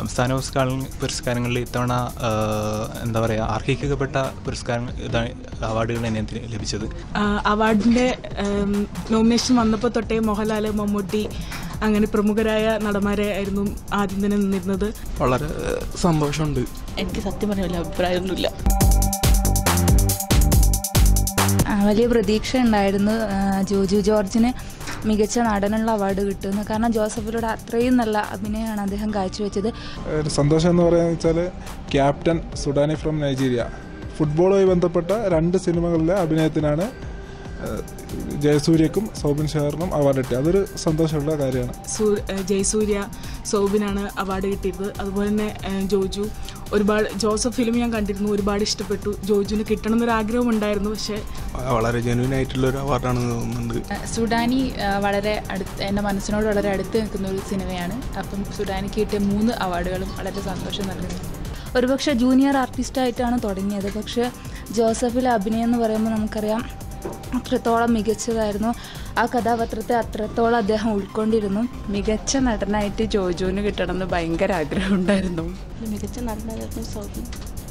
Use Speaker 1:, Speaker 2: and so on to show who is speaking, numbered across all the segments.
Speaker 1: സംസ്ഥാന പുരസ്കാരങ്ങളിൽ ഇത്തവണ എന്താ പറയുക അർഹിക്കപ്പെട്ട അവാർഡുകൾ തന്നെ ലഭിച്ചത്.
Speaker 2: അവാർഡിൻ്റെ നോമിനേഷൻ വന്നപ്പോൾ തൊട്ടേ മോഹൻലാൽ, മമ്മൂട്ടി അങ്ങനെ പ്രമുഖരായ നടന്മാരെ ആയിരുന്നു ആദ്യം തന്നെ നിന്നിരുന്നത്.
Speaker 3: വളരെ സന്തോഷമുണ്ട്.
Speaker 4: എനിക്ക് സത്യം പറഞ്ഞ അഭിപ്രായമൊന്നുമില്ല.
Speaker 5: വലിയ പ്രതീക്ഷ ഉണ്ടായിരുന്നു ജോജു ജോർജിന് മികച്ച നടനുള്ള അവാർഡ് കിട്ടുമെന്ന്. കാരണം ജോസഫിലൂടെ അത്രയും നല്ല അഭിനയമാണ് അദ്ദേഹം കാഴ്ചവെച്ചത്.
Speaker 6: സന്തോഷം എന്ന് പറയുന്നത് വെച്ചാൽ ക്യാപ്റ്റൻ സുഡാനി ഫ്രം നൈജീരിയ ഫുട്ബോളുമായി ബന്ധപ്പെട്ട 2 സിനിമകളിലെ അഭിനയത്തിനാണ് ജയസൂര്യക്കും സൗബിൻ ഷെയറിനും അവാർഡ് കിട്ടിയത്. അതൊരു സന്തോഷമുള്ള കാര്യമാണ്.
Speaker 2: ജയസൂര്യ, സൗബിനാണ് അവാർഡ് കിട്ടിയത്. അതുപോലെ തന്നെ ജോജു ഒരുപാട് ജോസഫ് ഫിലിം ഞാൻ കണ്ടിരുന്നു, ഒരുപാട് ഇഷ്ടപ്പെട്ടു. ജോജുവിന് കിട്ടണം എന്നൊരാഗ്രഹം ഉണ്ടായിരുന്നു. പക്ഷേ
Speaker 3: വളരെ ജെന്യൂൻ ആയിട്ടുള്ള ഒരു അവാർഡാണ് തോന്നുന്നുണ്ട്.
Speaker 4: സുഡാനി വളരെ എൻ്റെ മനസ്സിനോട് വളരെ അടുത്ത് നിൽക്കുന്ന ഒരു സിനിമയാണ്. അപ്പം സുഡാനിക്ക് കിട്ടിയ 3 അവാർഡുകളും വളരെ സന്തോഷം നൽകുന്നു.
Speaker 5: ഒരുപക്ഷെ ജൂനിയർ ആർട്ടിസ്റ്റായിട്ടാണ് തുടങ്ങിയത്. പക്ഷേ ജോസഫിലെ അഭിനയം എന്ന് പറയുമ്പോൾ നമുക്കറിയാം അത്രത്തോളം മികച്ചതായിരുന്നു. ആ കഥാപാത്രത്തെ അത്രത്തോളം അദ്ദേഹം ഉൾക്കൊണ്ടിരുന്നു. മികച്ച നടനായിട്ട് ജോജുവിന് കിട്ടണമെന്ന് ഭയങ്കര ആഗ്രഹമുണ്ടായിരുന്നു.
Speaker 4: മികച്ച നടനായിരുന്നു സൗബിൻ.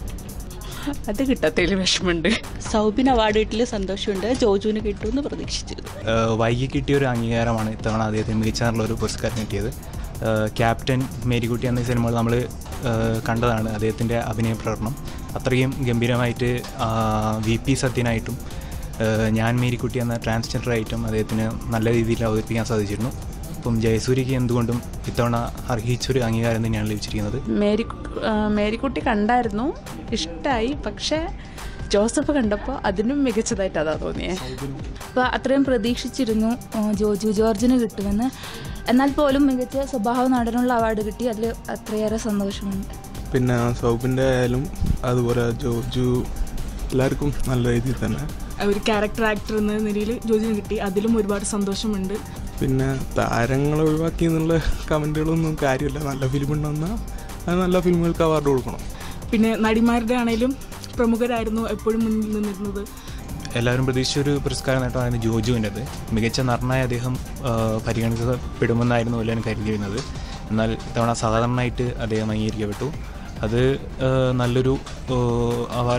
Speaker 5: അത് കിട്ടാത്തതിൽ വിഷമമുണ്ട്.
Speaker 4: സൗബിൻ അവാർഡ് കിട്ടിയ സന്തോഷമുണ്ട്. ജോജുവിന് കിട്ടുമെന്ന് പ്രതീക്ഷിച്ചിരുന്നു.
Speaker 1: വൈകി കിട്ടിയൊരു അംഗീകാരമാണ് ഇത്തവണ അദ്ദേഹത്തിന് മികച്ച ഒരു പുരസ്കാരം കിട്ടിയത്. ക്യാപ്റ്റൻ, മേരിക്കുട്ടി എന്ന സിനിമകൾ നമ്മൾ കണ്ടതാണ്. അദ്ദേഹത്തിൻ്റെ അഭിനയ പ്രകടനം അത്രയും ഗംഭീരമായിട്ട് VP സത്യനായിട്ടും ഞാൻ മേരിക്കുട്ടി എന്ന ട്രാൻസ്ജെൻഡറായിട്ടും അദ്ദേഹത്തിന് നല്ല രീതിയിൽ അവതരിപ്പിക്കാൻ സാധിച്ചിരുന്നു. അപ്പം ജയസൂര്യക്ക് എന്തുകൊണ്ടും ഇത്തവണ അർഹിച്ചൊരു അംഗീകാരം തന്നെയാണ് ലഭിച്ചിരിക്കുന്നത്.
Speaker 5: മേരിക്കുട്ടി കണ്ടായിരുന്നു, ഇഷ്ടമായി. പക്ഷേ ജോസഫ് കണ്ടപ്പോൾ അതിനും മികച്ചതായിട്ട് അതാ തോന്നിയേ. അപ്പോൾ അത്രയും പ്രതീക്ഷിച്ചിരുന്നു ജോജു ജോർജിന് കിട്ടുമെന്ന്. എന്നാൽ പോലും മികച്ച സ്വഭാവ നടനുള്ള അവാർഡ് കിട്ടി. അതിൽ അത്രയേറെ സന്തോഷമുണ്ട്.
Speaker 3: പിന്നെ സൗബിൻ്റെ ആയാലും അതുപോലെ ജോജു എല്ലാവർക്കും നല്ല രീതിയിൽ തന്നെ
Speaker 2: ഒരു ക്യാരക്ടർ ആക്ടർ എന്ന നിലയിൽ ജോജുവിന് കിട്ടി. അതിലും ഒരുപാട് സന്തോഷമുണ്ട്.
Speaker 3: പിന്നെ താരങ്ങളെ ഒഴിവാക്കി എന്നുള്ള കമൻറ്റുകളൊന്നും കാര്യമില്ല. നല്ല ഫിലിം ഉണ്ടെന്നാൽ അത് നല്ല ഫിലിമുകൾക്ക് അവാർഡ് കൊടുക്കണം.
Speaker 2: പിന്നെ നടിമാരുടെ ആണെങ്കിലും പ്രമുഖരായിരുന്നു എപ്പോഴും മുന്നിൽ നിന്നിരുന്നത്.
Speaker 1: എല്ലാവരും പ്രതീക്ഷിച്ചൊരു പുരസ്കാര നേട്ടമായിരുന്നു ജോജുവിൻ്റെത്. മികച്ച നടനായി അദ്ദേഹം പരിഗണിക്കപ്പെടുമെന്നായിരുന്നു എല്ലാവരും കരുതിയിരുന്നത്. എന്നാൽ ഇത്തവണ സാധാരണയായിട്ട് അദ്ദേഹം അംഗീകരിക്കപ്പെട്ടു. അത് നല്ലൊരു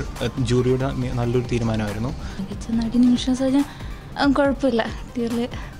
Speaker 1: ജൂറിയുടെ നല്ലൊരു തീരുമാനമായിരുന്നു.
Speaker 5: മികച്ച നടി നിമിഷം കുഴപ്പമില്ല.